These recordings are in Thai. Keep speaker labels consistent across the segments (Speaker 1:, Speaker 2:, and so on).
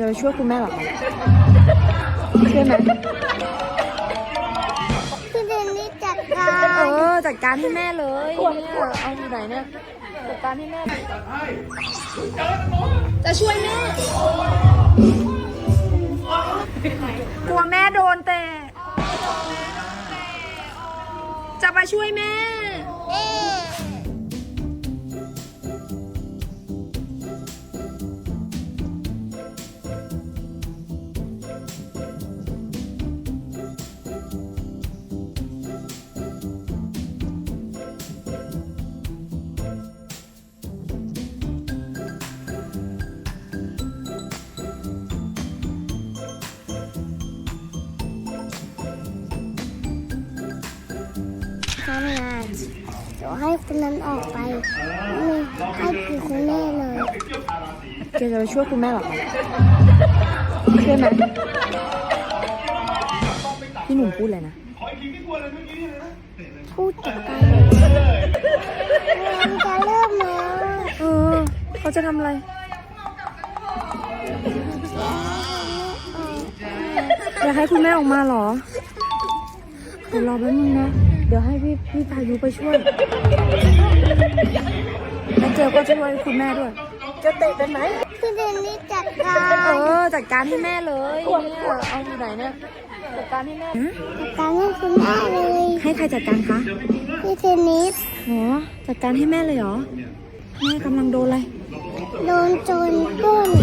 Speaker 1: จะไปช่วยคุณแม่หรอคะช่วยไหม
Speaker 2: พี่เดนนี่จัดการ
Speaker 1: จัดการให้แม่เลยเนี่ยเอาอยู่ไหนเนี่ยจัดการให้แม่จะช่วยแม่กลัวแม่โดนแต่จะไปช่วยแม่
Speaker 2: ทำงานเดี๋ยวให้คนนั้นออกไปไม่ให้คือคุณแม่เลย
Speaker 1: แกจะไปช่วยคุณแม่หรอคะช่วยไหมพี่หนุ่มพูดเลยนะ
Speaker 2: พูดจัดการมันจะเริ่มแล้ว
Speaker 1: เขาจะทำอะไรอยากให้คุณแม่ออกมาเหรอเดี๋ยวรอแป๊บนึงนะเดี๋ยวให้พี่พายุไปช่วยแล้วเจลก็ช่วยคุณแม่ด้วยจะเตะเป็นไหม
Speaker 2: พี่เดนนี่จัดการ
Speaker 1: จัดการให้แม่เลยเนี่ยเอาอยู่ไหนเนี่ยจัดการให้แม่
Speaker 2: จัดการให้คุณแม่เลย
Speaker 1: ให้ใครจัดการคะ
Speaker 2: พี่เทนนิส
Speaker 1: จัดการให้แม่เลยเหรอแม่กำลังโดนอะไร
Speaker 2: โดนโจรปล้น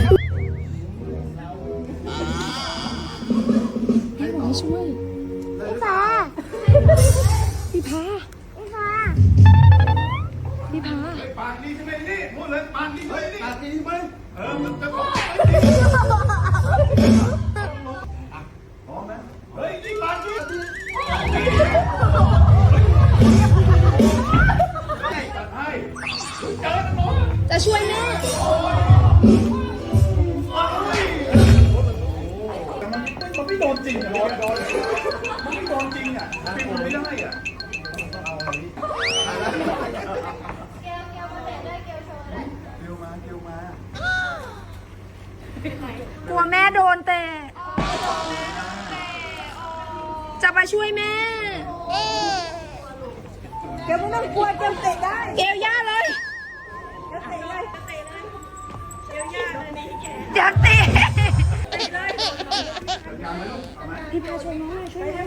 Speaker 1: แม่บอกให้ช่วย
Speaker 2: พี่ฟ้า
Speaker 1: พี่พา
Speaker 2: พี่ฟ้า
Speaker 1: พี่พา
Speaker 3: ปากดีใช่ไหมนี่พูดเลยปากดีใช่ไหมปากดีใช่ไหมมันจะบอกพร้อมนะเฮ้ยนี่ปากดีจัดให้เจอหมอ
Speaker 1: จะช่วยแม่
Speaker 3: มันไม่โดนจริงอ่ะมันไม่โดนจริงอ่ะเป็นไม่ได้อ่ะ
Speaker 1: กลัวแม่โดนแต่จะไปช่วยแม่
Speaker 4: เกลไม่ต้องกลัวเกลเตะได้
Speaker 1: เกลย่าเลย
Speaker 4: เกลเตะเลยเตะเลยเกลย่าเลยนี่แก
Speaker 1: เดี๋ยวเตะ
Speaker 4: เตะเลย
Speaker 1: พี่พาช่วยน้องหน่อยช่วยน้อง